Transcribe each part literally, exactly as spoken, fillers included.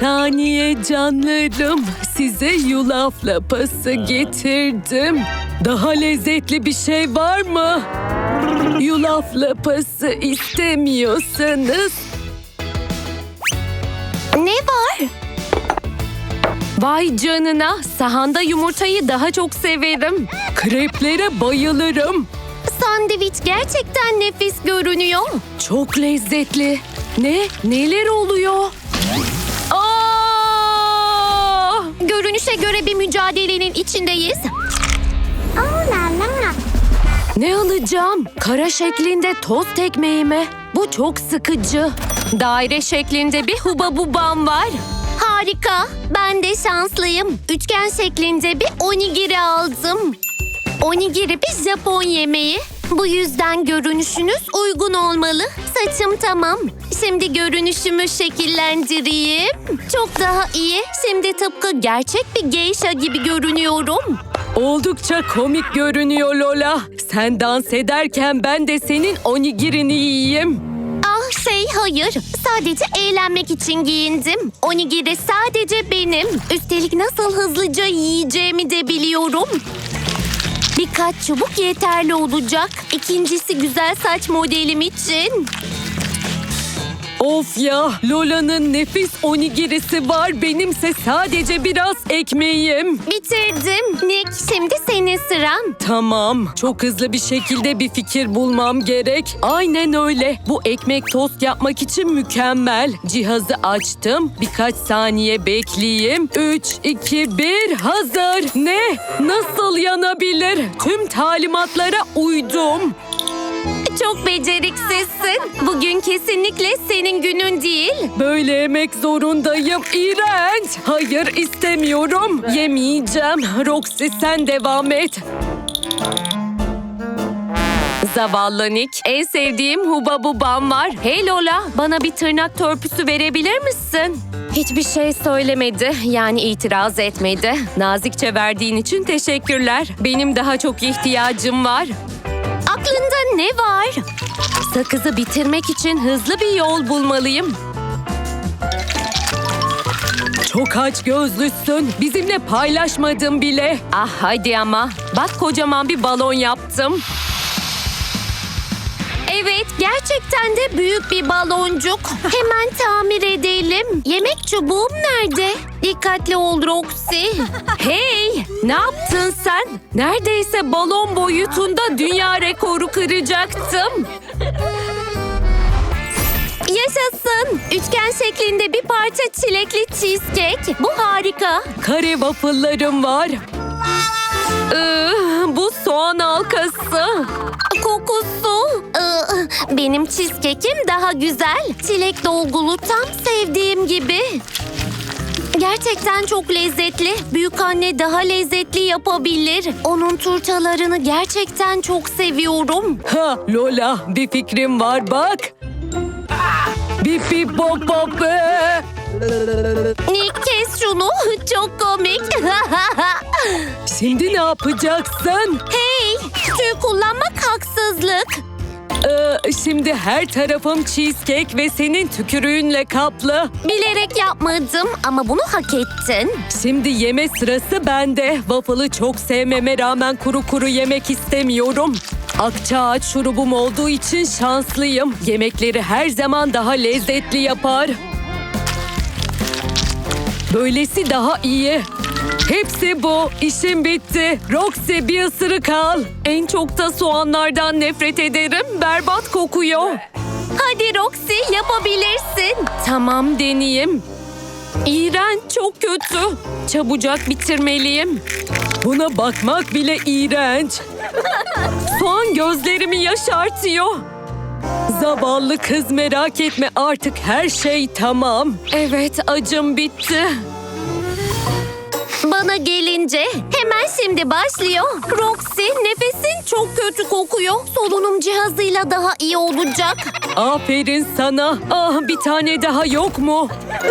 saniye canlarım. Size yulaf lapası getirdim. Daha lezzetli bir şey var mı? Yulaf lapası istemiyorsanız... Ne var? Vay canına, sahanda yumurtayı daha çok severim. Kreplere bayılırım. Sandviç gerçekten nefis görünüyor. Çok lezzetli. Ne? Neler oluyor? Aa! Görünüşe göre bir mücadelenin içindeyiz. Ne alacağım? Kara şeklinde tost ekmeği mi? Bu çok sıkıcı. Daire şeklinde bir hubabubam var. Harika. Ben de şanslıyım. Üçgen şeklinde bir onigiri aldım. Onigiri bir Japon yemeği. Bu yüzden görünüşünüz uygun olmalı. Saçım tamam. Şimdi görünüşümü şekillendireyim. Çok daha iyi. Şimdi tıpkı gerçek bir geisha gibi görünüyorum. Oldukça komik görünüyor Lola. Sen dans ederken ben de senin onigirini yiyeyim. Ah şey hayır. Sadece eğlenmek için giyindim. Onigiri sadece benim. Üstelik nasıl hızlıca yiyeceğimi de biliyorum. Birkaç çubuk yeterli olacak. İkincisi güzel saç modelim için. Of ya, Lola'nın nefis onigirisi var. Benimse sadece biraz ekmeğim. Bitirdim. Nick, şimdi senin sıran. Tamam, çok hızlı bir şekilde bir fikir bulmam gerek. Aynen öyle. Bu ekmek tost yapmak için mükemmel. Cihazı açtım. Birkaç saniye bekleyeyim. Üç, iki, bir, hazır. Ne? Nasıl yanabilir? Tüm talimatlara uydum. Çok beceriksizsin. Bugün kesinlikle senin günün değil. Böyle yemek zorundayım. İğrenç. Hayır, istemiyorum. Yemeyeceğim. Roxy, sen devam et. Zavallı Nick. En sevdiğim hubabubam var. Hey Lola, bana bir tırnak törpüsü verebilir misin? Hiçbir şey söylemedi. Yani itiraz etmedi. Nazikçe verdiğin için teşekkürler. Benim daha çok ihtiyacım var. Aklında ne var? Sakızı bitirmek için hızlı bir yol bulmalıyım. Çok aç gözlüsün. Bizimle paylaşmadın bile. Ah hadi ama. Bak kocaman bir balon yaptım. Evet, gerçekten de büyük bir baloncuk. Hemen tamir edelim. Yemek çubuğum nerede? Dikkatli ol Roxy. Hey, ne yaptın sen? Neredeyse balon boyutunda dünya rekoru kıracaktım. Yaşasın. Üçgen şeklinde bir parça çilekli cheesecake. Bu harika. Kare waffle'larım var. Ee, bu soğan halkası. Kokusu. Ee, benim cheesecake'im daha güzel. Çilek dolgulu tam sevdiğim gibi. Gerçekten çok lezzetli. Büyükanne daha lezzetli yapabilir. Onun turtalarını gerçekten çok seviyorum. Ha Lola, bir fikrim var bak. Bip bip bop bop. Ee. Nick kes şunu. Çok komik. Şimdi ne yapacaksın? Hey, tüy kullanmak haksızlık. Ee, şimdi her tarafım cheesecake ve senin tükürüğünle kaplı. Bilerek yapmadım ama bunu hak ettin. Şimdi yeme sırası bende. Waffle'ı çok sevmeme rağmen kuru kuru yemek istemiyorum. Akçaağaç şurubum olduğu için şanslıyım. Yemekleri her zaman daha lezzetli yapar. Böylesi daha iyi. Hepsi bu. İşim bitti. Roxy, bir ısırık al. En çok da soğanlardan nefret ederim. Berbat kokuyor. Hadi Roxy, yapabilirsin. Tamam, deneyeyim. İğrenç, çok kötü. Çabucak bitirmeliyim. Buna bakmak bile iğrenç. Soğan gözlerimi yaşartıyor. Zavallı kız, merak etme, artık her şey tamam. Evet, acım bitti. Bana gelince hemen şimdi başlıyor. Roxy, nefesin çok kötü kokuyor. Solunum cihazıyla daha iyi olacak. Aferin sana. Ah, bir tane daha yok mu?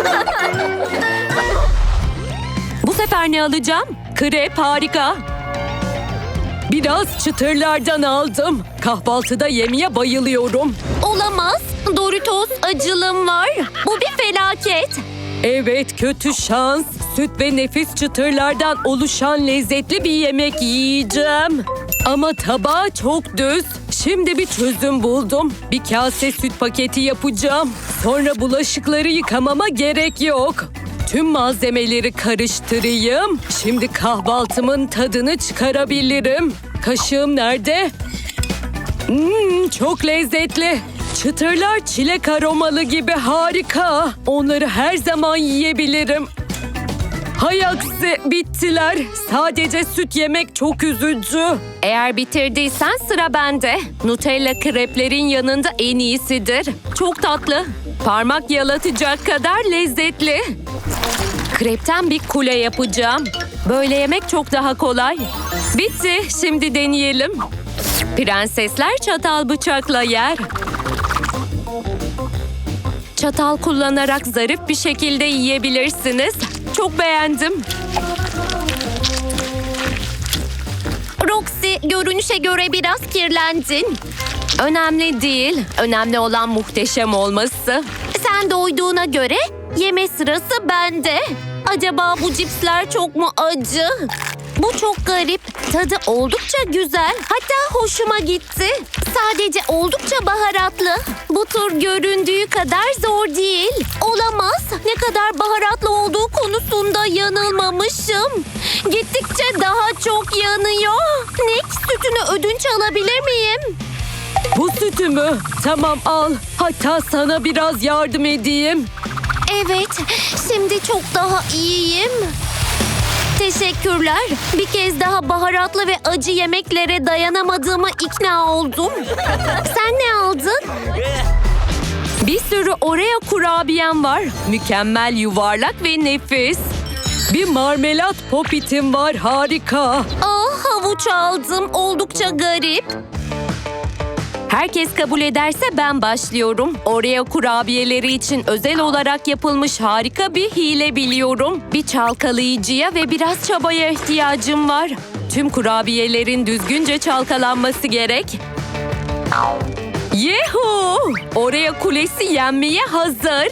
Bu sefer ne alacağım? Krep, harika. Biraz çıtırlardan aldım. Kahvaltıda yemeye bayılıyorum. Olamaz. Doritos acılım var. Bu bir felaket. Evet, kötü şans. Süt ve nefis çıtırlardan oluşan lezzetli bir yemek yiyeceğim. Ama tabağı çok düz. Şimdi bir çözüm buldum. Bir kase süt paketi yapacağım. Sonra bulaşıkları yıkamama gerek yok. Tüm malzemeleri karıştırayım. Şimdi kahvaltımın tadını çıkarabilirim. Kaşığım nerede? Hmm, çok lezzetli. Çıtırlar çilek aromalı gibi harika. Onları her zaman yiyebilirim. Hay aksi, bittiler. Sadece süt yemek çok üzücü. Eğer bitirdiysen sıra bende. Nutella kreplerin yanında en iyisidir. Çok tatlı. Parmak yalatacak kadar lezzetli. Krepten bir kule yapacağım. Böyle yemek çok daha kolay. Bitti. Şimdi deneyelim. Prensesler çatal bıçakla yer. Çatal kullanarak zarif bir şekilde yiyebilirsiniz. Çok beğendim. Roxy, görünüşe göre biraz kirlendin. Önemli değil. Önemli olan muhteşem olması. Sen doyduğuna göre yeme sırası bende. Acaba bu cipsler çok mu acı? Bu çok garip. Tadı oldukça güzel. Hatta hoşuma gitti. Sadece oldukça baharatlı. Bu tur göründüğü kadar zor değil. Olamaz. Ne kadar baharatlı olduğu konusunda yanılmamışım. Gittikçe daha çok yanıyor. Nick, sütünü ödünç alabilir miyim? Bu sütü mü? Tamam, al. Hatta sana biraz yardım edeyim. Evet, şimdi çok daha iyiyim. Teşekkürler. Bir kez daha baharatlı ve acı yemeklere dayanamadığıma ikna oldum. Sen ne aldın? Bir sürü Oreo kurabiyem var. Mükemmel, yuvarlak ve nefis. Bir marmelat popitim var, harika. Ah, havuç aldım. Oldukça garip. Herkes kabul ederse ben başlıyorum. Oreo kurabiyeleri için özel olarak yapılmış harika bir hile biliyorum. Bir çalkalayıcıya ve biraz çabaya ihtiyacım var. Tüm kurabiyelerin düzgünce çalkalanması gerek. Yehu! Oreo kulesi yenmeye hazır.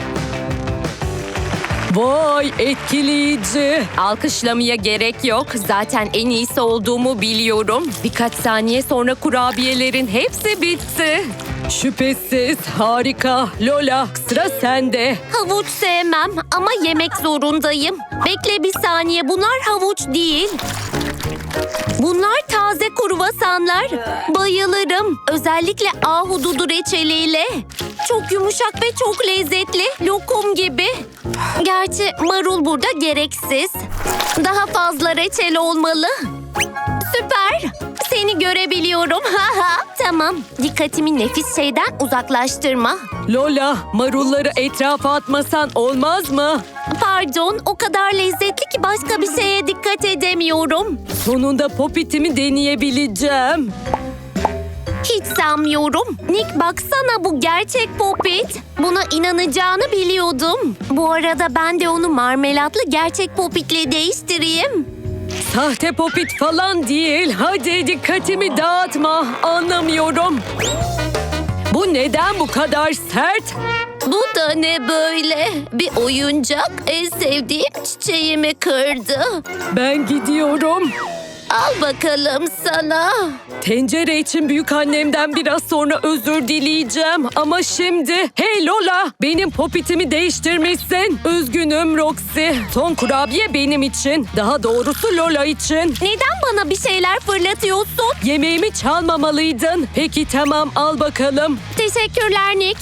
Vay, etkileyici. Alkışlamaya gerek yok. Zaten en iyisi olduğumu biliyorum. Birkaç saniye sonra kurabiyelerin hepsi bitti. Şüphesiz harika. Lola, sıra sende. Havuç sevmem ama yemek zorundayım. Bekle bir saniye, bunlar havuç değil. Bunlar taze kruvasanlar. Bayılırım. Özellikle ahududu reçeliyle. Çok yumuşak ve çok lezzetli. Lokum gibi. Gerçi marul burada gereksiz. Daha fazla reçel olmalı. Süper. Seni görebiliyorum. Tamam. Dikkatimi nefis şeyden uzaklaştırma. Lola, marulları etrafa atmasan olmaz mı? Pardon, o kadar lezzetli ki başka bir şeye dikkat edemiyorum. Sonunda popitimi deneyebileceğim. Hiç sanmıyorum. Nick, baksana, bu gerçek popit. Buna inanacağını biliyordum. Bu arada ben de onu marmelatlı gerçek popitle değiştireyim. Sahte popit falan değil. Hadi dikkatimi dağıtma. Anlamıyorum. Bu neden bu kadar sert? Bu da ne böyle? Bir oyuncak en sevdiğim çiçeğimi kırdı. Ben gidiyorum. Al bakalım sana. Tencere için büyükannemden biraz sonra özür dileyeceğim. Ama şimdi... Hey Lola! Benim popitimi değiştirmişsin. Üzgünüm Roxy. Son kurabiye benim için. Daha doğrusu Lola için. Neden bana bir şeyler fırlatıyorsun? Yemeğimi çalmamalıydın. Peki tamam, al bakalım. Teşekkürler Nick.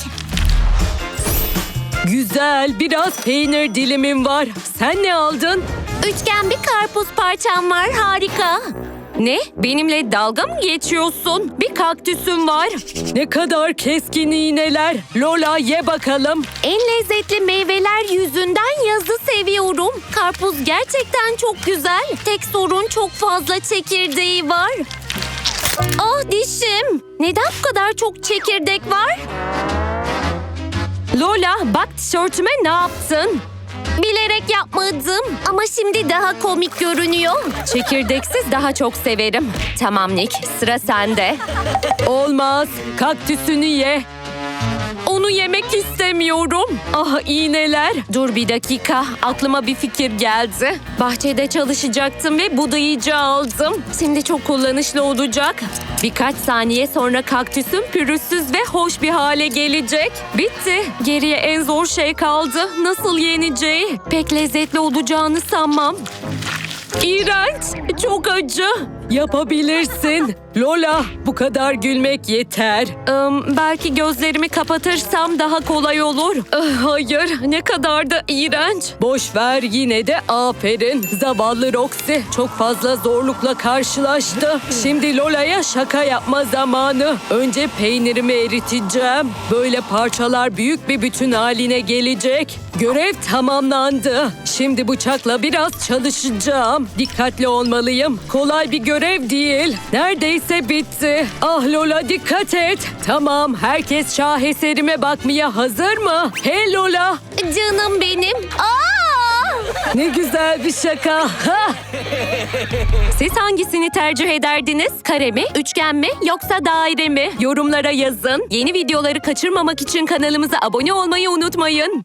Güzel, biraz peynir dilimim var. Sen ne aldın? Üçgen bir karpuz parçam var, harika. Ne? Benimle dalga mı geçiyorsun? Bir kaktüsüm var. Ne kadar keskin iğneler. Lola, ye bakalım. En lezzetli meyveler yüzünden yazı seviyorum. Karpuz gerçekten çok güzel. Tek sorun çok fazla çekirdeği var. Ah, dişim. Neden bu kadar çok çekirdek var? Lola, bak tişörtüme ne yaptın? Bilerek yapmadım ama şimdi daha komik görünüyor. Çekirdeksiz daha çok severim. Tamam Nick, sıra sende. Olmaz, kaktüsünü ye. Onu Bunu yemek istemiyorum. Ah iğneler. Dur bir dakika. Aklıma bir fikir geldi. Bahçede çalışacaktım ve budayıcı aldım. Şimdi çok kullanışlı olacak. Birkaç saniye sonra kaktüsüm pürüzsüz ve hoş bir hale gelecek. Bitti. Geriye en zor şey kaldı. Nasıl yeneceği? Pek lezzetli olacağını sanmam. İğrenç. Çok acı. Yapabilirsin. Lola, bu kadar gülmek yeter. Im, belki gözlerimi kapatırsam daha kolay olur. Ah, hayır, ne kadar da iğrenç. Boş ver, yine de aferin. Zavallı Roxy çok fazla zorlukla karşılaştı. Şimdi Lola'ya şaka yapma zamanı. Önce peynirimi eriteceğim. Böyle parçalar büyük bir bütün haline gelecek. Görev tamamlandı. Şimdi bıçakla biraz çalışacağım. Dikkatli olmalıyım. Kolay bir görev değil. Neredeyse bitti. Ah Lola, dikkat et. Tamam, herkes şaheserime bakmaya hazır mı? Hey Lola. Canım benim. Aa! Ne güzel bir şaka. Ha! Siz hangisini tercih ederdiniz? Kare mi, üçgen mi yoksa daire mi? Yorumlara yazın. Yeni videoları kaçırmamak için kanalımıza abone olmayı unutmayın.